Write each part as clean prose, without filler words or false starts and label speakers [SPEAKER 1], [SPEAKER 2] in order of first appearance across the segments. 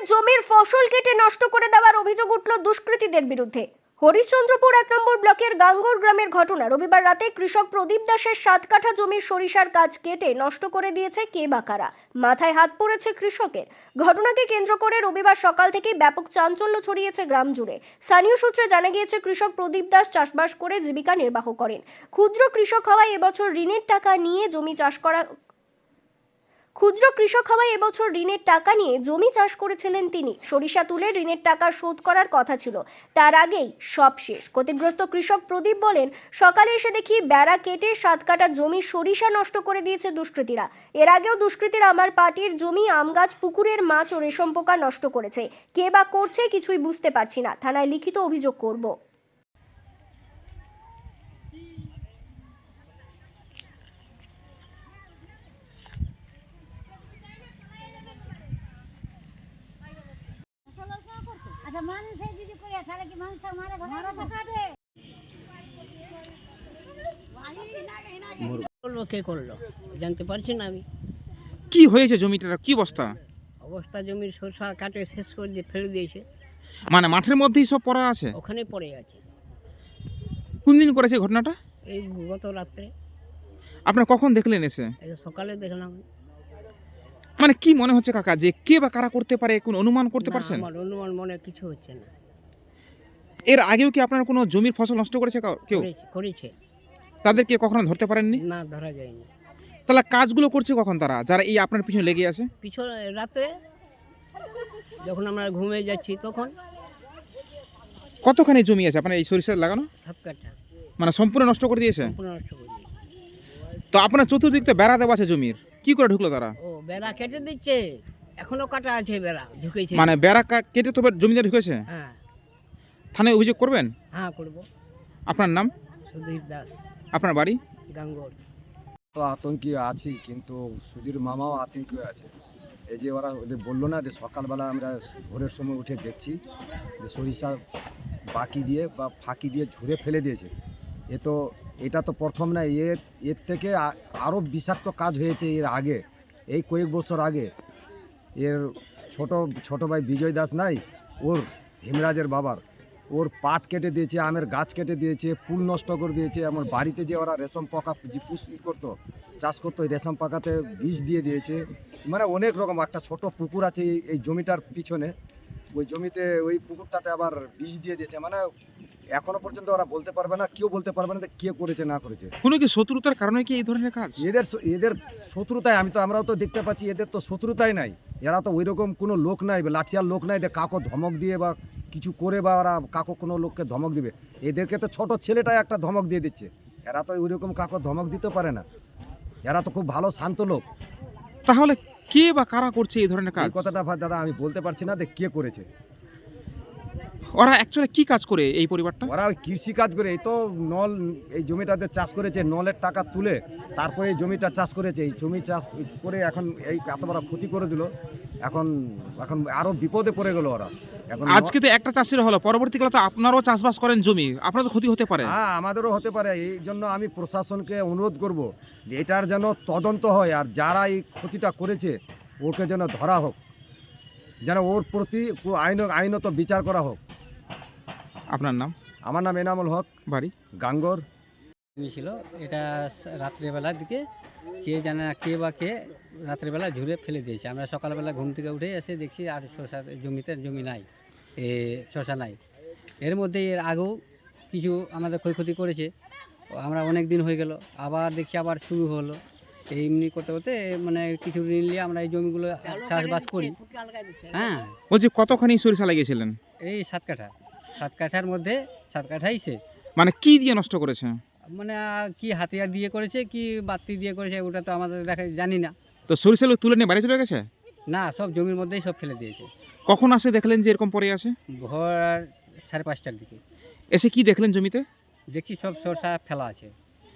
[SPEAKER 1] জমির ফসল কেটে নষ্ট করে দেওয়ার অভিযোগ উঠল দুষ্কৃতীদের বিরুদ্ধে। হরিশ্চন্দ্রপুর 1 নম্বর ব্লকের গাঙ্গর গ্রামের ঘটনা। রবিবার রাতে কৃষক প্রদীপ দাসের 7 কাঠা জমির সরিষার গাছ কেটে নষ্ট করে দিয়েছে কে বা কারা। মাথায় হাত পড়েছে কৃষকের। ঘটনাকে কেন্দ্র করে রবিবার সকাল থেকেই ব্যাপক চাঞ্চল্য ছড়িয়েছে গ্রাম জুড়ে। স্থানীয় সূত্রে জানা গিয়েছে কৃষক প্রদীপ দাস চাষবাস করে জীবিকা নির্বাহ করেন। ক্ষুদ্র কৃষক হওয়ায় এবছর ঋণের টাকা নিয়ে জমি চাষ করেছিলেন তিনি। সরিষা তুলে ঋণের টাকা শোধ করার কথা ছিল, তার আগেই সব শেষ। ক্ষতিগ্রস্ত কৃষক প্রদীপ বলেন, সকালে এসে দেখি বেড়া কেটে 7 কাঠা জমি সরিষা নষ্ট করে দিয়েছে দুষ্কৃতীরা। এর আগেও দুষ্কৃতীরা আমার পাটির জমি, আম গাছ, পুকুরের মাছ ও রেশম পোকা নষ্ট করেছে। কে বা করছে কিছুই বুঝতে পারছি না। থানায় লিখিত অভিযোগ করব।
[SPEAKER 2] আচ্ছা, মানুষ যদি করে তাহলে কি মানুষ মারা ফেসাবে?
[SPEAKER 3] করলো কে করলো জানতে পারছি না আমি।
[SPEAKER 4] কি হয়েছে জমিটার, কি অবস্থা?
[SPEAKER 3] জমির সরষা কাটে শেষ করে দিয়ে ফেলে দিয়েছে।
[SPEAKER 4] মানে মাঠের মধ্যেই সব পড়া আছে?
[SPEAKER 3] ওখানে পড়ে আছে।
[SPEAKER 4] কোন দিন করেছে ঘটনাটা?
[SPEAKER 3] এই গত রাত্রে।
[SPEAKER 4] আপনারা কখন দেখলেন এসে?
[SPEAKER 3] এই সকালে দেখলাম।
[SPEAKER 4] মানে কি মনে হচ্ছে কাকা, যে কে বা কারা করতে পারে, কোন অনুমান করতে
[SPEAKER 3] না,
[SPEAKER 4] পারছেন?
[SPEAKER 3] আমার অনুমান মনে কিছু হচ্ছে না।
[SPEAKER 4] এর আগেও কি আপনার কোনো জমির ফসল নষ্ট করেছে কেউ?
[SPEAKER 3] করেছে।
[SPEAKER 4] তাদেরকে কখনো ধরতে পারেননি?
[SPEAKER 3] না, ধরা যায়নি।
[SPEAKER 4] তাহলে কাজগুলো করছে কখন তারা, যারা এই আপনার পিছনে লেগে আছে?
[SPEAKER 3] পিছনে রাতে যখন আমরা ঘুমিয়ে যাচ্ছি তখন।
[SPEAKER 4] কতখানি জমি আছে আপনার এই সরিষা লাগানো?
[SPEAKER 3] 7 কাঠা।
[SPEAKER 4] মানে সম্পূর্ণ নষ্ট করে দিয়েছে?
[SPEAKER 3] সম্পূর্ণ নষ্ট করে দিয়েছে।
[SPEAKER 4] তো আপনার চতুর্দিক তো বেড়া দেওয়া আছে জমির, কি করে ঢুকলো তারা?
[SPEAKER 3] ও বেড়া কেটে দিচ্ছে, এখনো কাটা আছে বেড়া, ঢুকেছে।
[SPEAKER 4] মানে বেড়া কেটে তো জমিতে ঢুকেছে?
[SPEAKER 3] হ্যাঁ।
[SPEAKER 4] থানায় অভিযোগ করবেন?
[SPEAKER 3] হ্যাঁ, করব।
[SPEAKER 4] আপনার নাম?
[SPEAKER 3] সুধীর দাস,
[SPEAKER 4] আপনার বাড়ি?
[SPEAKER 3] গাঙ্গর।
[SPEAKER 5] তো আতঙ্কে আছি, কিন্তু সুধীর মামাও আতঙ্কে আছে। এই যে ওরা ওদের বললো না যে সকালবেলা আমরা ভোরের সময় উঠে দেখছি যে সরিষা বাকি দিয়ে বা ফাঁকি দিয়ে ঝুরে ফেলে দিয়েছে। এটা তো প্রথম না, এর থেকে আরও বিষাক্ত কাজ হয়েছে এর আগে, এই কয়েক বছর আগে। এর ছোট ভাই বিজয় দাস নাই, ওর হিমরাজের বাবার, ওর পাট কেটে দিয়েছে, আমের গাছ কেটে দিয়েছে, ফুল নষ্ট করে দিয়েছে। আমার বাড়িতে যে ওরা রেশম পোকা যে করতো, চাষ করতো, ওই রেশম পোকাতে বিষ দিয়ে দিয়েছে। মানে অনেক রকম। একটা ছোট পুকুর আছে এই জমিটার পিছনে, ওই জমিতে ওই পুকুরটাতে আবার বিষ দিয়ে দিয়েছে। মানে এখনো পর্যন্ত ওরা বলতে পারবে না, কেউ বলতে পারবে না যে কে করেছে না করেছে।
[SPEAKER 4] কোনো কি শত্রুতার কারণে কি এই ধরনের কাজ?
[SPEAKER 5] এদের শত্রুতায় আমরাও তো দেখতে পাচ্ছি, এদের তো শত্রুতাই নাই। এরা তো ওই রকম কোনো লোক নাই, লাঠিয়ার লোক নাই যে কাকো ধমক দিয়ে বা কিছু করে বা ওরা কাকো কোনো লোককে ধমক দিবে। এদেরকে তো ছোট ছেলেটাই একটা ধমক দিয়ে দিচ্ছে। এরা তো ওই রকম কাকো ধমক দিতে পারে না। এরা তো খুব ভালো শান্ত লোক।
[SPEAKER 4] তাহলে কে বা কারা করছে এই ধরনের কাজ?
[SPEAKER 5] এই কথাটা দাদা আমি বলতে পারছি না যে কে করেছে।
[SPEAKER 4] ওরা অ্যাকচুয়ালি কি কাজ করে এই পরিবারটা?
[SPEAKER 5] ওরা ওই কৃষি কাজ করে। এই তো এই জমিটাতে চাষ করেছে, নলের টাকা তুলে তারপরে এই জমিটা চাষ করেছে। এই জমি চাষ করে এখন এই এত বড় ক্ষতি করে দিল। এখন আরো বিপদে পড়ে গেল ওরা। এখন
[SPEAKER 4] আজকে তো একটা চাষির হলো, পরবর্তীকালে তো আপনারাও চাষবাস করেন জমি, আপনার তো ক্ষতি হতে পারে।
[SPEAKER 5] হ্যাঁ, আমাদেরও হতে পারে। এই জন্য আমি প্রশাসনকে অনুরোধ করব যে এটার যেন তদন্ত হয়, আর যারা এই ক্ষতিটা করেছে ওকে যেন ধরা হোক, যেন ওর প্রতি আইনত বিচার করা হোক।
[SPEAKER 4] আপনার নাম?
[SPEAKER 5] আমার নাম এনামুল হক,
[SPEAKER 4] বাড়ি?
[SPEAKER 5] গাঙ্গর।
[SPEAKER 3] ছিল এটা রাত্রেবেলার দিকে, কে জানে না কে বা কে রাত্রেবেলা ঝুরে ফেলে দিয়েছে। আমরা সকালবেলা ঘুম থেকে উঠে এসে দেখছি আর জমি নাই, শসা নাই। এর মধ্যে এর আগেও কিছু আমাদের ক্ষয়ক্ষতি করেছে। আমরা অনেক দিন হয়ে গেল, আবার দেখছি আবার শুরু হলো। এমনি করতে করতে মানে কিছু ঋণ নিয়ে আমরা এই জমিগুলো চাষবাস করি। হ্যাঁ,
[SPEAKER 4] বলছি কতখানি সরিষা লাগিয়েছিলেন?
[SPEAKER 3] এই 7 কাঠা। 7 কাঠার মধ্যে 7 কাঠাই শেষ।
[SPEAKER 4] মানে কি দিয়ে নষ্ট করেছে?
[SPEAKER 3] মানে কি হাতিয়ার দিয়ে করেছে কি বাতি দিয়ে করেছে ওটা তো আমাদের জানি না।
[SPEAKER 4] তো সরিষাগুলো তুলে নিয়ে বাড়ি চলে গেছে?
[SPEAKER 3] না, সব জমির মধ্যেই সব ফেলে দিয়েছে।
[SPEAKER 4] কখন আসে দেখলেন যে এরকম পড়ে আছে?
[SPEAKER 3] ভোর 5:30টার দিকে
[SPEAKER 4] এসে কি দেখলেন জমিতে?
[SPEAKER 3] দেখছি সব সরষা ফেলা আছে।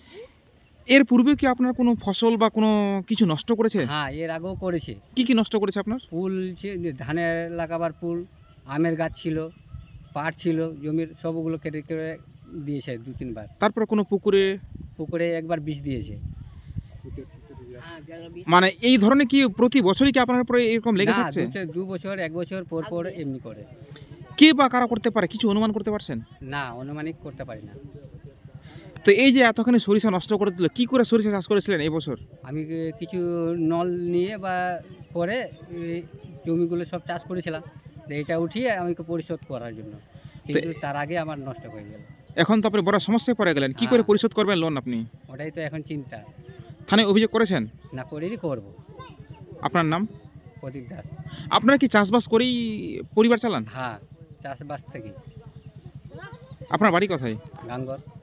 [SPEAKER 4] এর পূর্বে কি আপনার কোনো ফসল বা কোনো কিছু নষ্ট করেছে?
[SPEAKER 3] হ্যাঁ, এর আগেও করেছে।
[SPEAKER 4] কি নষ্ট করেছে আপনার?
[SPEAKER 3] ফুল, ধানের লাগাবার ফুল, আমের গাছ ছিল, পাট ছিল, জমির সবগুলো কেটে কেটে দিয়েছে 2-3 বার।
[SPEAKER 4] তারপর কোনো পুকুরে
[SPEAKER 3] একবার বিষ দিয়েছে।
[SPEAKER 4] মানে এই ধরনের কি প্রতি বছরই কি আপনার উপরে এরকম লেগে
[SPEAKER 3] না,
[SPEAKER 4] থাকছে?
[SPEAKER 3] 2 বছর 1 বছর পর পর এমনি করে।
[SPEAKER 4] কে বা কারা করতে পারে কিছু অনুমান করতে পারছেন?
[SPEAKER 3] না, অনুমানিক করতে পারি না।
[SPEAKER 4] তো এই যে এতখানি সরিষা নষ্ট করে দিল, কি করে সরিষা চাষ করেছিলেন এই বছর?
[SPEAKER 3] আমি কিছু নল নিয়ে বা করে এই জমিগুলো সব চাষ করেছিলাম, তো এটা উঠিয়ে আমাকে পরিশোধ করার জন্য, কিন্তু তার আগে আমার নষ্ট হয়ে গেল।
[SPEAKER 4] এখন তো আপনি বড় সমস্যায় পড়ে গেলেন, কি করে
[SPEAKER 3] হ্যাঁ।
[SPEAKER 4] পরিশোধ করবেন লোন আপনি?
[SPEAKER 3] ওটাই তো এখন চিন্তা।
[SPEAKER 4] থানায় অভিযোগ করেছেন?
[SPEAKER 3] না করেই করবো।
[SPEAKER 4] আপনার নাম?
[SPEAKER 3] প্রদীপ দাস।
[SPEAKER 4] আপনারা কি চাষবাস করেই পরিবার চালান?
[SPEAKER 3] হ্যাঁ, চাষবাস থেকে।
[SPEAKER 4] আপনার বাড়ি কোথায়?
[SPEAKER 3] গাঙ্গর।